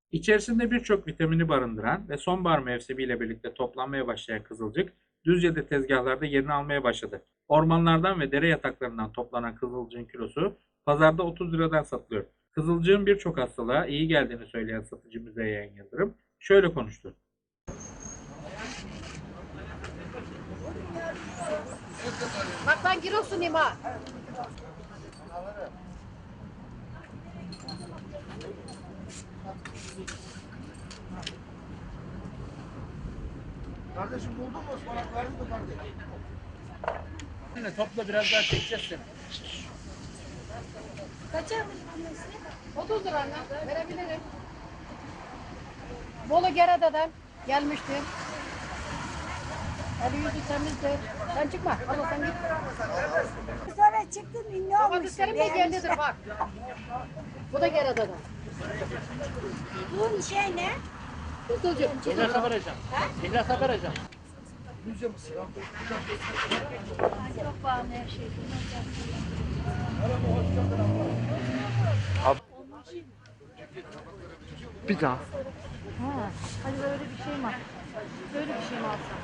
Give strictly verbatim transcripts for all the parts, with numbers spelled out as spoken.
İçerisinde birçok vitamini barındıran ve sonbahar mevsimiyle birlikte toplanmaya başlayan kızılcık, Düzce'de tezgahlarda yerini almaya başladı. Ormanlardan ve dere yataklarından toplanan kızılcığın kilosu pazarda otuz liradan satılıyor. Kızılcığın birçok hastalığa iyi geldiğini söyleyen satıcı Müzeyyen Yıldırım şöyle konuştu. Bak ben Giresun'uyum ha. Kardeşim buldun mu? Ispanakları mı kardeşim? Topla biraz daha çekeceğiz seni. Kaça? otuz lira anne. Verebilirim. Bolu Gerede'den gelmiştim. Eli yüzü temizdir. Sen çıkma. Allah sen git. Sonra çıktın ünlü olmuşsun. Domateslerim de geldidir bak. Bu da Gerede'den. Bu şey ne? Kızılcık. İhlasa vereceğim. İhlasa vereceğim. Yüzce misin? Çok pahalı her şey. Bir daha. Ha, hadi böyle bir şey mi? Böyle bir şey mi alsam?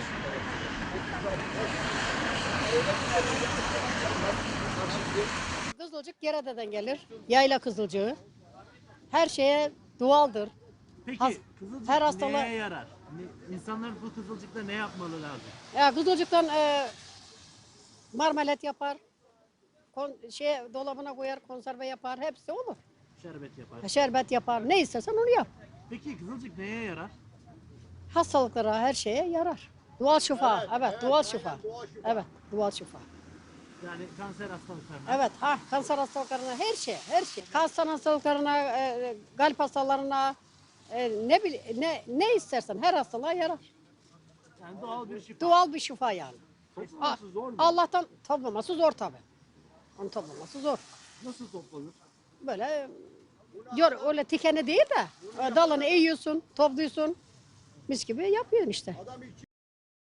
Kızılcık Gerede'den gelir. Yayla kızılcığı. Her şeye doğaldır. Peki Has- kızılcık her hastalığa- neye yarar? Ne- İnsanlar bu kızılcıkla ne yapmalı lazım? Ya kızılcıktan e, marmelat yapar. Kon, şey dolabına koyar, konserve yapar. Hepsi olur. Şerbet yapar. Şerbet yapar. Ne istersen onu yap. Peki kızılcık neye yarar? Hastalıklara, her şeye yarar. Doğal şifa. Evet, doğal şifa. Evet, doğal şifa. Yani kanser hastalıklarına. Evet, ha kanser hastalıklarına her şey, her şey. Kanser hastalıklarına, e, kalp hastalarına, e, ne bil, ne ne istersen her hastalığa yarar. Yani doğal bir şifa. Doğal bir şifa yani. Ah, Toplaması zor mu? Allah'tan toplaması zor tabii. Onu toplaması zor. Nasıl toplanır? Böyle diyor öyle tikeni değil de e, dalını eğiyorsun, topluyorsun. Mis gibi yapıyorsun işte.